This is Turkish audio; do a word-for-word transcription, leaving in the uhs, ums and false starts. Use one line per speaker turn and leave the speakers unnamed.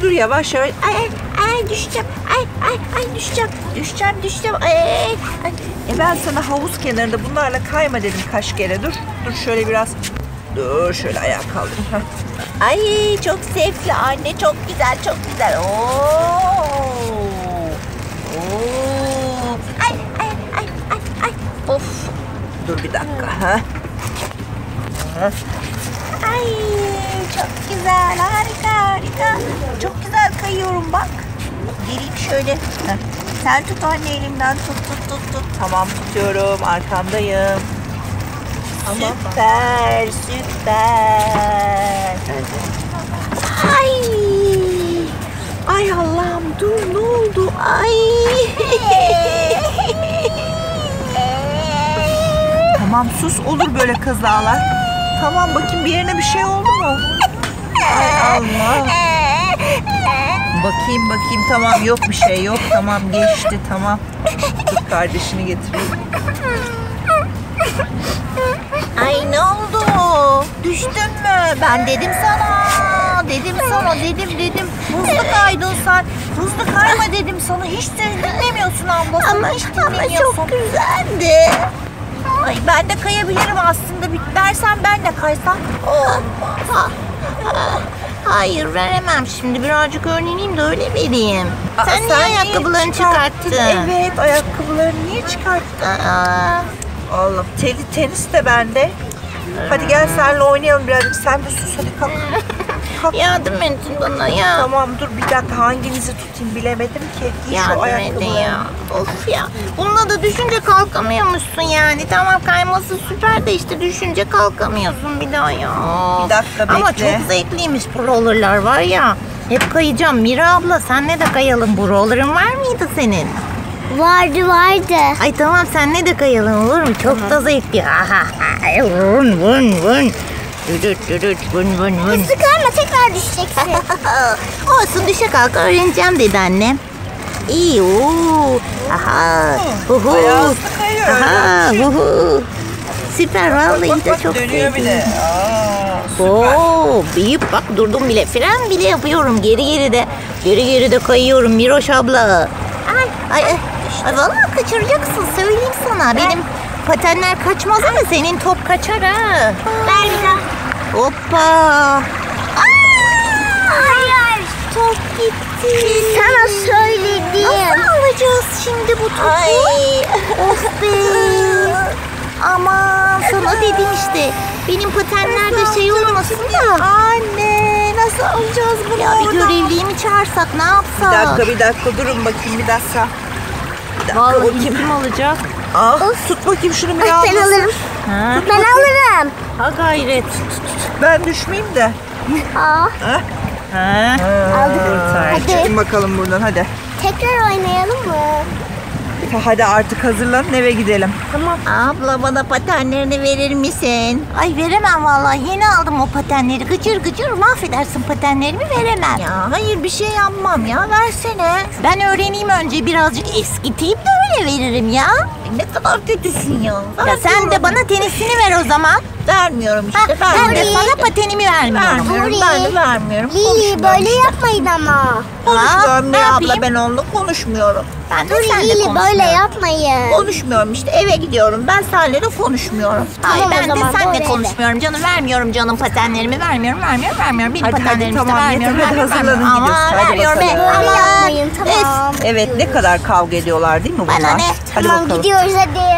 dur yavaş yavaş. Ay ay ay düşeceğim. Ay ay ay düşeceğim. Düşeceğim düşeceğim. Ay ay ay. E ben sana havuz kenarında bunlarla kayma dedim kaç kere. Dur dur şöyle biraz. Dur şöyle ayağa kaldırayım. Heh. Ay çok zevkli anne, çok güzel çok güzel. Oo. Oo. Ay ay ay ay ay. Of. Dur bir dakika. Ha. Ay çok güzel, harika harika. Çok güzel kayıyorum bak. Geleyim şöyle. Heh. Sen tut anne elimden, tut tut tut tut. Tamam tutuyorum, arkandayım. Tamam. Süper süper. Ay. Ay Allah'ım dur, ne oldu? Ay. Tamam sus, olur böyle kazalar. Tamam bakayım bir yerine bir şey oldu mu? Ay Allah. Bakayım bakayım tamam yok bir şey yok. Tamam geçti tamam. Dur kardeşini getireyim. Ay ne oldu? Düştün mü? Ben dedim sana. Dedim sana dedim dedim. Hızlı kaydın sen. Hızlı kayma dedim sana. Hiç dinlemiyorsun abla. Ama, hiç dinlemiyorsun. Ama çok güzeldi. Ay ben de kayabilirim aslında. Bir dersen ben de kaysam. Olmaz. Hayır veremem şimdi. Birazcık öğreneyim de öyle vereyim. Aa, sen, sen niye ayakkabılarını çıkarttın? çıkarttın? Evet ayakkabılarını niye çıkarttın? Aa. Allah teli tenis de bende. Hadi gel seninle oynayalım birazcık. Sen bir sus hadi kalk. Kalk. Yardım edin bana ya. Tamam dur bir dakika hanginizi tutayım bilemedim ki. Giy yardım edin ya. Of ya. Bununla da düşünce kalkamıyormuşsun yani. Tamam kayması süper de işte düşünce kalkamıyorsun bir daha ya. Bir dakika bekle. Ama çok zevkliymiş bu rollerlar var ya. Hep kayacağım. Mira abla senle de kayalım. Bu roller'ın var mıydı senin?
Vardı vardı.
Ay tamam senle de kayalım olur mu? Çok da zevkli. Vın vın vın. Düdüt düdüt vın vın vın.
Hızlı kayma tekrar düşeceksin.
Olsun düşe kalk öğreneceğim dedi annem. İyi ooo. Aha. Huhu. Aha. Huhu. Süper vallahi de çok sevdim. Oo, büyük bak durdum bile. Fren bile yapıyorum geri geri de. Geri geri de kayıyorum Miroş abla. Ay ay ay. Ay vallahi kaçıracaksın söyleyeyim sana. Benim patenler kaçmaz ama senin top kaçar ha.
Ver bir daha.
Hoppa.
Hayır.
Top gitti.
Sana söyledim.
Nasıl alacağız şimdi bu topu? Ay. Of be. Aman sana dedim işte. Benim patenlerde şey olmasın da. Anne nasıl alacağız bunu? Ya bir görevliyi mi çağırsak ne yapsak? Bir dakika bir dakika durun bakayım bir dakika. Bir dakika vallahi bakayım. Kim alacak? Ah, tut bakayım şunu bir al.
Ben alırım.
Ha?
Ben alırım.
Ha gayret. Ben düşmeyeyim de.
Aa.
Ha? Ha.
Aldık.
Çıkın bakalım buradan hadi.
Tekrar oynayalım mı?
Hadi artık hazırlanın eve gidelim. Tamam. Abla bana patenlerini verir misin? Ay veremem vallahi. Yeni aldım o patenleri. Gıcır gıcır mahvedersin patenlerimi veremem. Ya hayır bir şey yapmam ya. Versene. Ben öğreneyim önce birazcık eskiteyim de öyle veririm ya. Ne kadar kötüsün ya. Ya sen de bana tenisini ver o zaman. Vermiyorum işte. Ha, ben de sana patenimi vermiyorum.
Vermiyorum.
Ben de vermiyorum.
Lili böyle yapmayın ama.
Konuşmuyorum Mira abla ben onunla konuşmuyorum. Ben de seninle
Lili
konuşmuyorum.
böyle yapmayın.
Konuşmuyorum işte eve gidiyorum. Ben seninle de konuşmuyorum.
Tamam,
Hayır ben
o zaman
de seninle
doğru
konuşmuyorum. Canım vermiyorum canım patenlerimi vermiyorum vermiyorum vermiyorum. Benim
Hadi,
patenlerimi
hadi,
işte
tamam,
vermiyorum.
yeter, hadi
vermiyorum,
hazırlanın,
vermiyorum.
gidiyoruz.
Ama
Hadi
vermiyorum
bakalım.
be.
Böyle
Aman.
yapmayın tamam.
Evet ne kadar kavga ediyorlar değil mi bunlar?
Bana ne?
Hadi
Tamam
bakalım.
gidiyoruz hadi.